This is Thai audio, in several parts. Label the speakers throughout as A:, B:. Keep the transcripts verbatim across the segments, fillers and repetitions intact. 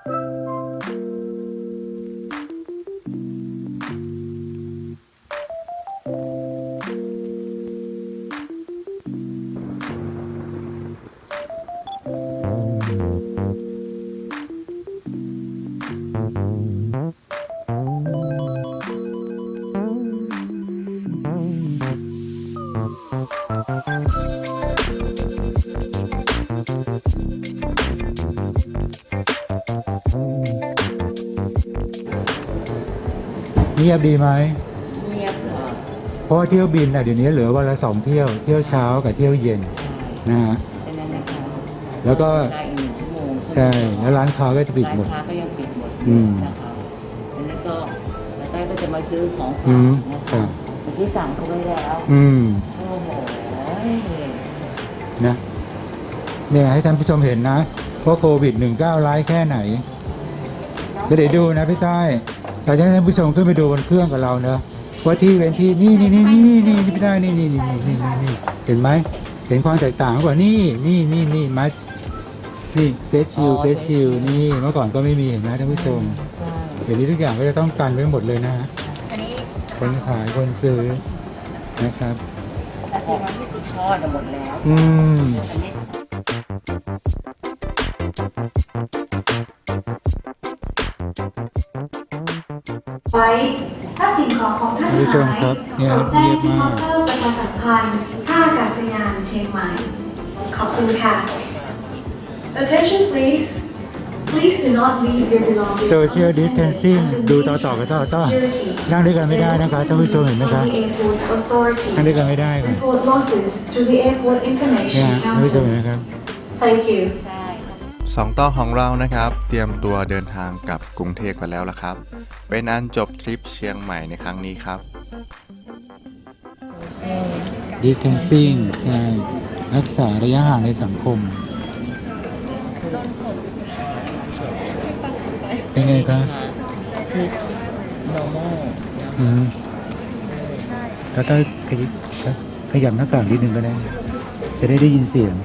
A: เงียบดีไหม
B: เงียบเหรอ
A: เพราะเที่ยวบินอ่ะเดี๋ยวนี้เหลือวันละสองเที่ยวเที่ยวเช้ากับเที่ยวเย็นนะฮะ
B: ฉะนั้นนะคะ
A: แล้วก็
B: ได้อีกหนึ่งชั่วโมง
A: ใช่แล้วร้านค้าก็จะปิดหมด
B: ร้านค้าก็ยังปิดหมดนะคะแล้วก็แล้วก็จะมาซื้อของฝากนะคะเมื่อกี้สั่งเขาไว้แล้ว
A: อืม
B: โอ้โห
A: นะเนี่ยให้ท่านผู้ชมเห็นนะว่าโควิดหนึ่งเก้าร้ายแค่ไหนก็เดี๋ยวดูนะพี่ต้อยเราจะให้ท่านผู้ชมขึ้นไปดูบนเครื่องกับเราเนอะว่าที่เป็นที่นี่นี่นี่นี่นี่นี่พี่ต้อยนี่นี่นี่นี่นี่นี่เห็นไหมเห็นความแตกต่างกว่านี่นี่นี่นี่มัสนี่เฟสชิลเฟสชิลนี่เมื่อก่อนก็ไม่มีเห็นไหมท่านผู้ชมเดี๋ยวนี้ทุกอย่างก็จะต้องกันไว้หมดเลยนะฮะคนขายคนซื้อนะครับ
B: แต่ที่มันที่ทอดหมดแล้ว
A: อืม
C: ไว้ถ้าสิ่งของของท่านหายโปรดแจ้งที่เคาน์เตอร์ประชาสัมพันธ์ท่าอากาศยานเชียงใหม่ขอบคุณค่ะ Attention please please do not leave your belongings
A: Social distancing ดูต่อต่อกันต่อต่อนั่งด้วยกันไม่ได้นะคะท่านผู้ชมเห็นไหมคะนั่งด้วยกันไม่ได้ค่ะ
C: Report losses to the airport
A: เนี่ย
C: information
A: ท่านผู้ชมเห็นไหมครับ
C: Thank you
D: สองต่อของเรานะครับเตรียมตัวเดินทางกลับกรุงเทพกันแล้วล่ะครับเป็นอันจบทริปเชียงใหม่ในครั้งนี้ครับ
A: distancing ใช่รักษาระยะห่างในสังคมเป็นไงครับ
B: คือ normal
A: อืมแล้วถ้าขยับหน้ากากนิดนึงก็ได้จะได้ได้ยินเสียง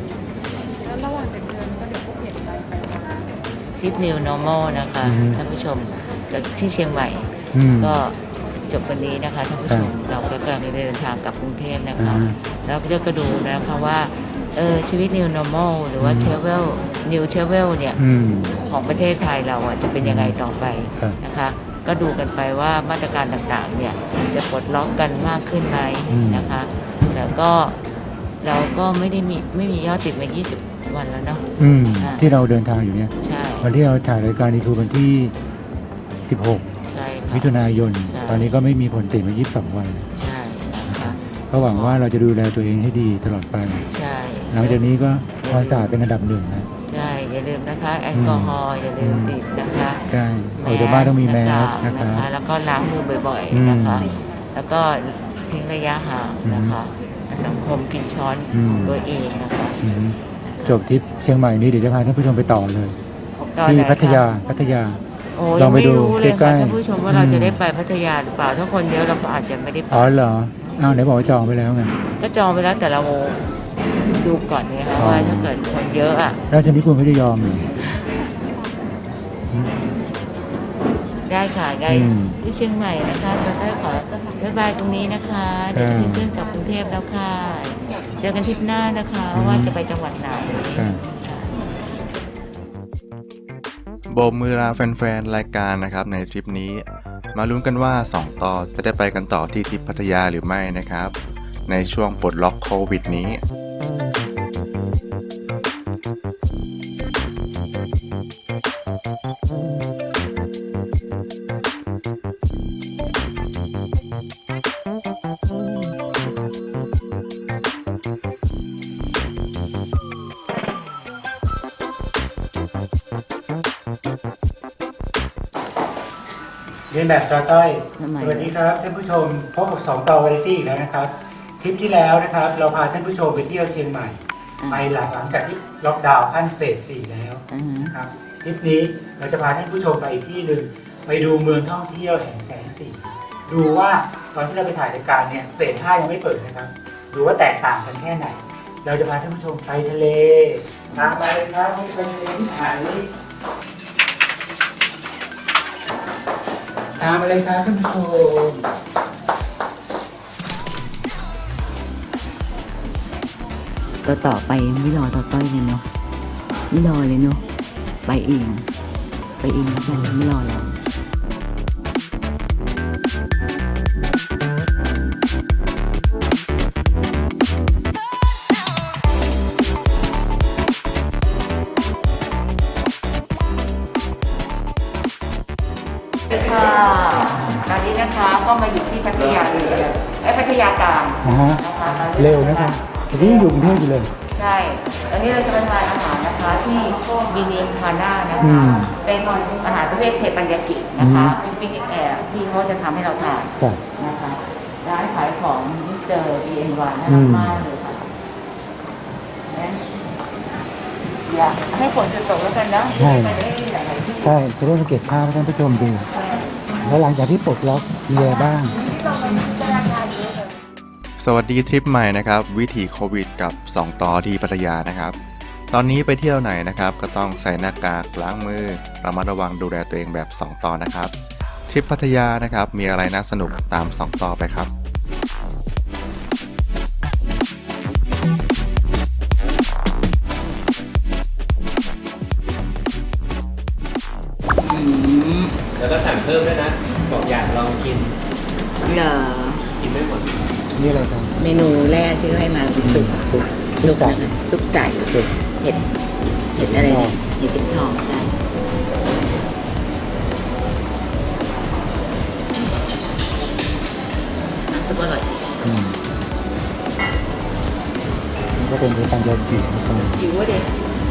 B: ทริป New Normal นะคะท่านผู้ชมจากที่เชียงใหม่ก็จบวันนี้นะคะท่านผู้ชมเราก็กำลังเดินทางกลับกรุงเทพนะคะแล้วก็จะดูนะคะว่าเออชีวิต New Normal หรือว่า Travel New Travel เนี่ยของประเทศไทยเราอ่ะจะเป็นยังไงต่อไปนะคะก็ดูกันไปว่ามาตรการต่างๆเนี่ยจะปลดล็อกกันมากขึ้นไหมนะคะแล้วก็เราก็ไม่ได้มีไม่มียอดติดมายี่สิบวันแล้วเนาะ
A: ที่เราเดินทางอยู่เนี่ย
B: ใช่
A: วันที่เราถ่ายรายการนี้คือวันที่สิบหกมิถุนายนตอนนี้ก็ไม่มีผลติดมายี่สิบสองวัน
B: ใช่นะคะ
A: ก็หวังว่าเราจะดูแลตัวเองให้ดีตลอดไป
B: ใช่
A: หลังจากนี้ก็ความสะอาดเป็นอันดับหนึ่งนะ
B: ใช่อย่าลืมนะคะแอลกอฮอล์อย่าลืมติดนะคะ
A: ใช่ออกจากบ้านต้องมีแมส
B: นะคะแล้วก็ล้างมือบ่อยๆนะคะแล้วก็ทิ้งระยะห่างนะคะสังคมกินช้อนของตัวเองนะคะ
A: จบทริปเชียงใหม่นี้เดี๋ยวจะพาท่านผู้ชมไปต่อเลยที่พัทยาพัทยา
B: โอ้ยังไม่รู้เลยค่ะท่านผู้ชมว่าเราจะได้ไปพัทยาหรือเปล่าถ้าคนเยอะเราก็อาจจะไม่ได้ไป
A: อ๋อเหรออ้าวไหนบอกว่าจองไปแล้วไง
B: ก็จองไปแล้วแต่เราดูก่อนไงคะว่าถ้าเกิดคนเยอะอ่ะ
A: แล้วชนิดคุณไม่ได้ยอมเลย
B: ได้ค่ะได้ที่เชียงใหม่นะคะจะได้ขอบ๊ายบายตรงนี้นะคะเดี๋ยวจะขึ้นเครื่องกลับกรุงเทพแล้วค่ะเจอกันทริปหน้านะคะว่าจะไปจังหวัดไหน
D: โบกมือลาแฟนๆรายการนะครับในทริปนี้มาลุ้นกันว่าสองต่อจะได้ไปกันต่อที่ทริปพัทยาหรือไม่นะครับในช่วงปลดล็อกโควิดนี้
A: เรียนแบบต่อต้อยสวัสดีครับท่านผู้ชมพบกับสองต่อวาไรตี้อีกแล้วนะครับคลิปที่แล้วนะครับเราพาท่านผู้ชมไปเที่ยวเชียงใหม่ไปหลังหลังจากที่ล็อกดาวน์ขั้นเฟสสี่แล้วนะครับคลิปนี้เราจะพาท่านผู้ชมไปอีกที่หนึ่งไปดูเมืองท่องเที่ยวแห่งแสงสีดูว่าตอนที่เราไปถ่ายรายการเนี่ยเฟสห้ายังไม่เปิดนะครับดูว่าแตกต่างกันแค่ไหนเราจะพาท่านผู้ชมไปทะเลตามมาเลยครับไปทะเลที่ถ่ายนี้ตามมาเลยครับท่านผู้ชม
B: ต่อต่อไปไม่รอต่อต้อยเลยเนาะไม่รอเลยเนาะไปเองไปเองแล้วกันไม่รอแล้วค่ะตอนนี้นะคะก็มาอยู่ที่พัทยาเลยไอ้พัทยากลาง
A: อ่าฮะ
B: นะคะตอนนี้
A: เร็วนะคะแต่ที่อยู่กรุงเทพอยู่เลย
B: ใช่ตอนนี้เราจะมาทานอาหารนะคะที่บินินพาน่านะ
A: อื
B: คะ
A: ม
B: เป็นอาหารประเภทเทปัญญากินะคะ
A: อืม
B: เป็นปิ้งแอบที่เขาจะทำให้เราทาน
A: ครับ
B: นะคะร้านขายของมิสเตอร์บีเอ็นวานน่า
A: อื
B: รัก
A: ม
B: มากเลยค่ะงั้นอยากให้ฝนจะตกแล้วกันนะ
A: ใช่
B: ไปได้หลายๆที่
A: ใช่จะได้สังเกตภาพให้ท่านผู้ชมดู แล้วหลังจากที่ปลดล็อกมีอะไรบ้าง
D: สวัสดีทริปใหม่นะครับ วิถีโควิดกับสองต่อที่พัทยานะครับ ตอนนี้ไปเที่ยวไหนนะครับ ก็ต้องใส่หน้ากากล้างมือระมัดระวังดูแลตัวเองแบบสองต่อนะครับทริปพัทยานะครับมีอะไรน่าสนุกตามสองต่อไปครับ
E: แล้วก็สั่งเพิ่มด้วยนะ บอกอยากลองกิน
B: เหรอ
E: กินไม่หมด
A: นี่อะไรครับ
B: เมนูแรกที่เขาให้มาคือซุป
A: ซุป
B: ซุป
A: ใส่
B: นะคะซุปใส
A: ซุป
B: เห็ดเห็ดอะไรเนี่ยเห็ดเป็นทองใช่น้ำซุปอร่อย
A: อืมนี่ก็เป็นเรื่องการยากินะครับ
B: หิววะเด็ก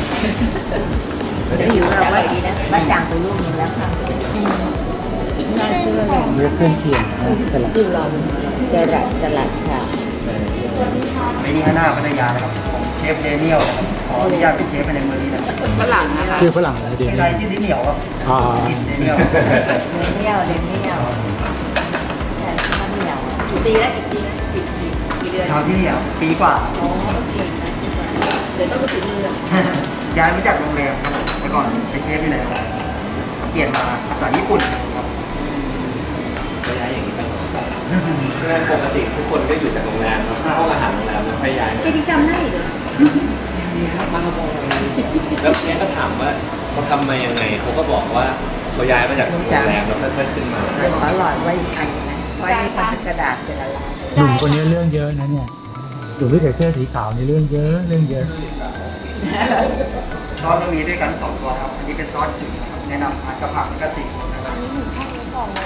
B: หิวเราว่าดีนะบ้านจางไปลูกนึงแล้วค่ะอีกน่าเชื่อเลย
A: เลือกเครื่องเคียงนะสลัด
B: ดูเราสลัดสลัดค่ะ
F: เมนูหน้าพัทยานะครับของเชฟเดเนียลนะครับขออนุญาตเป็นเชฟไปในมือนี้นะครับ
B: ฝรั่งนะคะ
A: ชื่อฝรั่งอะไรเดี๋ยว
F: ชื่อ
A: นี้
F: ไรชื่อดิเหนียวครับ
A: อ่า
F: เดเนียล
B: เดนเนียลเดนเนียลใช่ข้าวเหนียวกี่ปีแล้วกี่ปีแล้วกี่กี่กี่เดือน
F: ทำที่เหนียวปีกว่า
B: อ๋อเก่งนะเดี๋ยวต้องไปถึงเมือง
F: ย้ายมาจากโรงแรมครับแต่ก่อนเป็นเชฟที่ไหนครับเปลี่ยนมาสายญี่ปุ่นครับ
E: ก็ย้ายอย่างนี้ตลอดใช่ไหมปกติทุกคนก็อยู่จากโรงแรมแล้วห้องอาหารโรงแรมแล้วค่อยย้าย
B: แกจำได้เหรอ
E: มาโรงแรมแล้วแกก็ถามว่าเขาทำมายังไง เขาก็บอกว่าเขาย้ายมาจากโรงแรมแล้วค่อยๆขึ้นมา
B: ขอหลอดไว้อีกอันนะไว้ในพันกระดาษเป็นละลาย
A: หนุ่มคนนี้เรื่องเยอะนะเนี่ยหนุ่มที่ใส่เสื้อสีขาวนี่เรื่องเยอะเรื่องเยอะ
F: ซอสจะมีด้วยกันสองตัวครับ อันนี้เป็นซอสขิงนะครับแนะนำทานกับผักกระสีนะครับ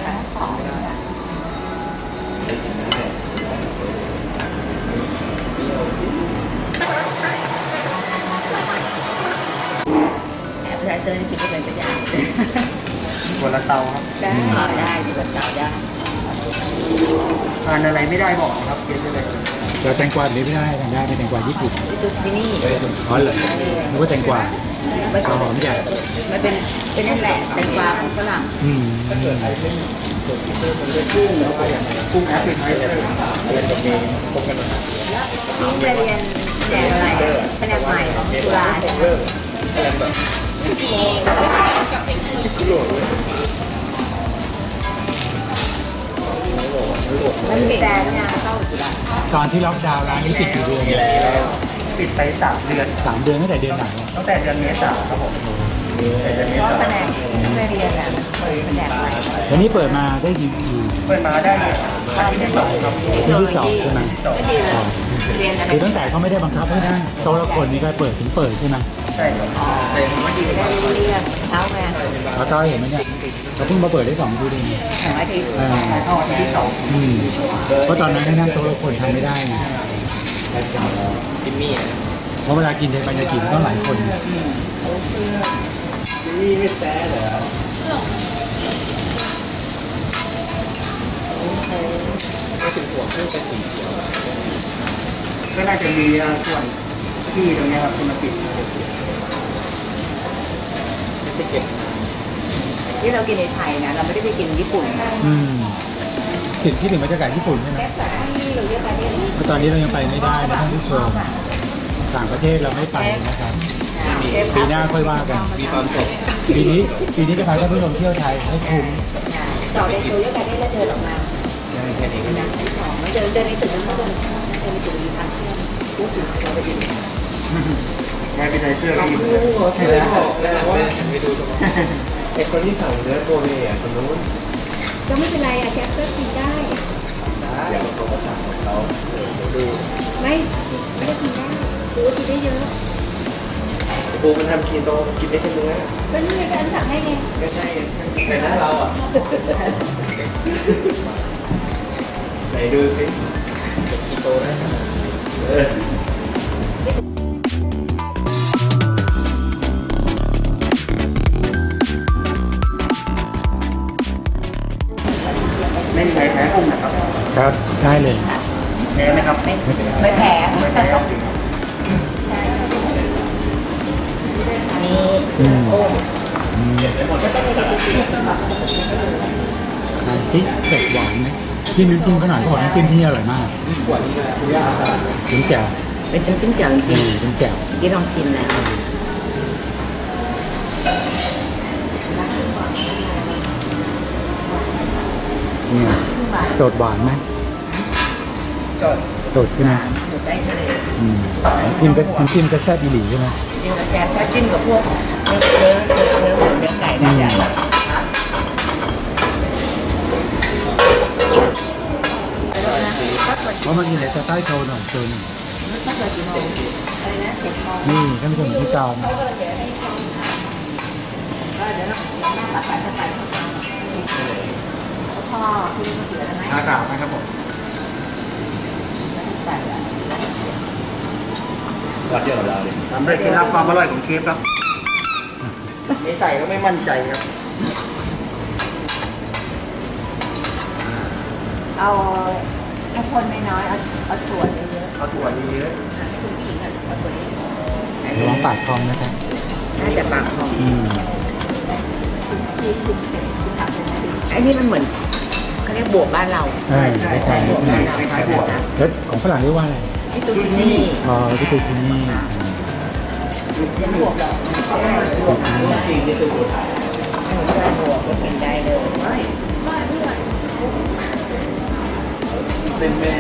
B: แอบใช้เสื้อที่กินไม่เป็นกระยา
F: บนละเตาครับ
B: ได้ได้ดีกว่าเก่าได้
F: ทานอะไรไม่ได้บอกนะครับเชฟได้เลย
A: แต่แตงกวาแบบนี้ไม่ได้ทานได้เป็นแตงกวาญี่ปุ่น
B: ซุปซินี่
A: อ๋อเหรอนึกว่าแตงกวา
B: มัน
A: หอมใหญ่
B: มันเป็นเป็นนั่นแหละแตงกวาของฝรั่ง
A: อืม
F: กุ้งแอฟริกา
B: นี่จะเรียนแผนกอะไรแผนกใหม่ของจุฬาใช่ไหมมันมีแต่เนี่ยเข้าจุฬา
A: ตอนที่ล็อกดาวน์ร้านนี้ปิดกี่เดือนเนี่ย
F: ปิดไปสามเดือน
A: สามเดือนตั้งแต่เดือนไหนอะ
F: ตั้งแต่เดือนเมษาครับผมแต่เดือนเม
B: เพราะ
F: ษา
B: แผนกที่ไปเรียนอ่ะเปิดแผนกใหม่
A: วันนี้เปิดมาได้กี่ปี
F: เปิดมาได้เนี่ยอาทิตย์ที่สองครับ
A: ปีที่สองใช่ไหม
B: ก็ดีเลยเรียนอะไร
A: คือตั้งแต่เขาไม่ได้บังคับให้นั่งโต๊ะละคนนี้ก็เปิดถึงเปิดใช่ไหม
F: ใช่ครับ
B: ได้เรียนเช้าไง
A: เขาต้อยเห็นไหมเนี่ยเขาเพิ่งมาเปิดได้สองปีเอง
B: สองอาทิตย์
A: อ่า
F: เข้าอาทิตย์ที่สอง
A: อืมเพราะตอนนั้นให้นั่งโต๊ะละคนทำไม่ได้ไง
E: จิมมี่อะ
A: เพราะเวลากินในปัญญากินต้องหลายคน
E: จิมมี่ไม่แซ่เหรอ
F: ก็น่าจะมีส่วนที่ตรงเนี้ยครับที่มาปิด
E: ไม่เก็บ
B: ที่เรากินในไทยนะเราไม่ได้ไปกินญี่ปุ่นนะ
A: อืมคิดคิดถึงบรรยากาศญี่ปุ่นใช่ไหมเพราะตอนนี้เรายังไปไม่ได้นะท่านผู้ชมต่างประเทศเราไม่ไปนะครับปีหน้าค่อยว่ากัน
E: มีความสุข
A: ปีนี้ปีนี้จะพาท่านผู้ชมเที่ยวไทยให้คุ้ม
B: ต่อไปโชว์ยกไปได้แล้วเดินออกมา
E: แค่นี้ก็ได้
B: มันเดินเดินในตึกนั้นเดินเดินในตึกมีทางเชื่อมพูดถึงเราไปดิ
F: งานเป็นไทเสื้อรีบ
E: ใช่แล้วแล้วว่าไปดูตรงนั้นไอ้คนที่สั่งเนื้อโกเบอ่ะคนนู้น
B: ก็ไม่เป็นไรอะแคปก็กินได้
E: ได้เดี๋ยวเขาก็สั่งของเขาเดี๋ยวดู
B: ไม่ไม่ได้กินได้ถือว่ากินได้เยอะ
E: ปูมันทำคีโตกินได้แค่เนื้อ
B: ก็นี่การสั่งให้ไง
E: ไม่ใช่ในหน้าเราอ่ะไหนดูสิคีโตนะเออ
F: ไม่มีใครแพ้กุ้งนะครับ
A: ครับได้เลย
F: แพ้ไหมครับ
B: ไม่ไม่แผล
F: ไม่แพ้ครับ
B: นี่
A: อืม
B: โอ้
A: อันที่เสร็จหวานไหมจิ้มน้ำจิ้มเขาหน่อยเขาบอกน้ำจิ้มที่นี่อร่อยมากจิ้มแจ่ว
B: เป็นจิ้มจิ้มแจ่วจ
A: อื
B: ริง
A: มจิ้มแจ่ว
B: ๆที่ลองชิมแล้ว
A: เนี่ยสดหวานไหม
B: สด
A: สดใช่ไหม
B: หมูได้ทะเล
A: อืมน้ำจิ้มก็น้ำจิ้มก็แซ่บอีหลีใช่ไหม
B: จิ้มกับแกงถ้าจิ้มกับพวกเนื้อเนื้อเนื้อหมูเนื้อไก่น่าจะแบบครับ
A: เพราะมันมีอะไรจะใต้โชว์หน่อยโชว์หน่อยนี่ท่านผู้ชมที่จอม
B: พ่อคุณมาเสือไหม
F: อากาศนะครับผม
E: วัดเดียวกับเราเลย
F: ทำได้เคล็ดลับความอร่อยของเชฟครับไม่ใส่ก็ไม่มั่นใจครับ
B: เอาถ้าคนไม่น้อยเอาเอาถั่วเยอะ
F: เอาถั่วเยอะ
B: ๆคุณผู้หญิงอะเอาถั่วเยอะ
A: ระวังปากทองนะครับ
B: น่าจะปากหอม
A: อืม
B: ไอ้นี่มันเหมือนเขาเรียกบวบบ้านเรา
A: เออคล้ายๆใช่ไหม
F: คล้ายๆบวกนะ
A: แล้วของฝรั่งเรียกว่าอะไร
B: ที่ตูชินี่
A: อ๋อวิตูชินี่
B: ยังบวบหรอก
A: สุดนี่
E: จริงที่ตัวถ่าย
B: หนูเคยบวบก็กินได้เลย
E: เป็นแม่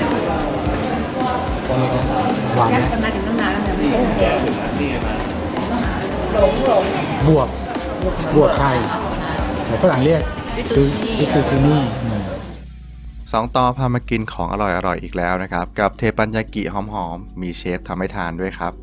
A: หวานไหม
B: มันมาถึงตั้งนานแล้วเนี่ยไม่โอเค
E: ถึงนะนี่มา
B: หลงหลง
A: บวบบวบไทยแต่ฝรั่งเรียกวิตูชินี่อืม
D: สองต่อพามากินของอร่อยๆอีกแล้วนะครับ กับเทปัญญากิหอมๆ มีเชฟทำให้ทานด้วยครับ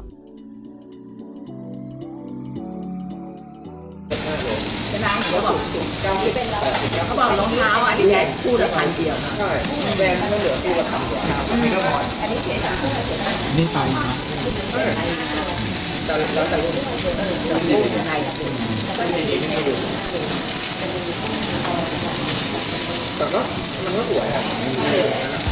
B: จะนางเขาบอกจองที่เป็นเราเดี๋ยวเขาบอกรองเท้าอันนี้แค่คู่ละพันเดียวใช่แบรนด์ก็เหลือคู่ละพันเดียวอันนี้ก็พออันนี้เสียคู่ละเจ็ดพัน
A: นี่ไปนะ
B: แล้วแต่รุ่นรุ่นยังไงอะคุณแล้วก็มีเด็กให้ดูแต่ก็มันก็สวยอ่ะ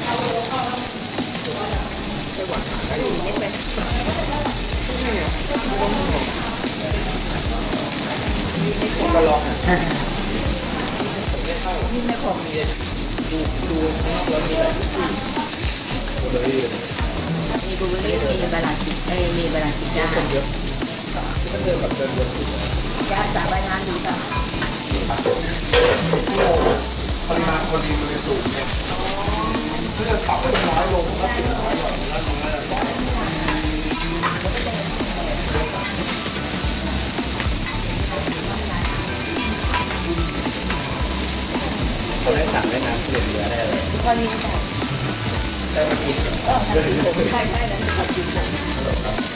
B: ก็ลองอ่ะนี่ไม่พอมีดูดูแล้วมีอะไรมีบูเบอรี่มีบาลานซ์เอ้ยมีบาลานซ์จ้าเยอะก็เดินแบบเดินวนจ้าสาบานานดูจ้ะปริมาณคนดีมันจะสูงเนี่ยถ้าจะปรับให้น้อยลงก็ติดน้อยลงแล้วตรงนั้นเขาได้สั่งได้น้ำเปลี่ยนเนื้อได้เลยตอนนี้ได้มากินเออใช่ใช่แล้วมากิน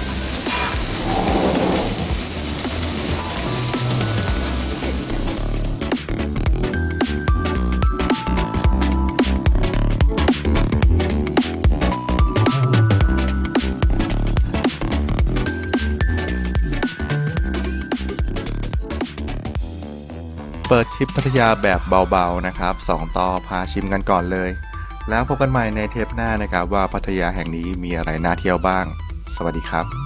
D: เปิดทริปพัทยาแบบเบาๆนะครับสองต่อพาชิมกันก่อนเลย แล้วพบกันใหม่ในเทปหน้านะครับว่าพัทยาแห่งนี้มีอะไรน่าเที่ยวบ้าง สวัสดีครับ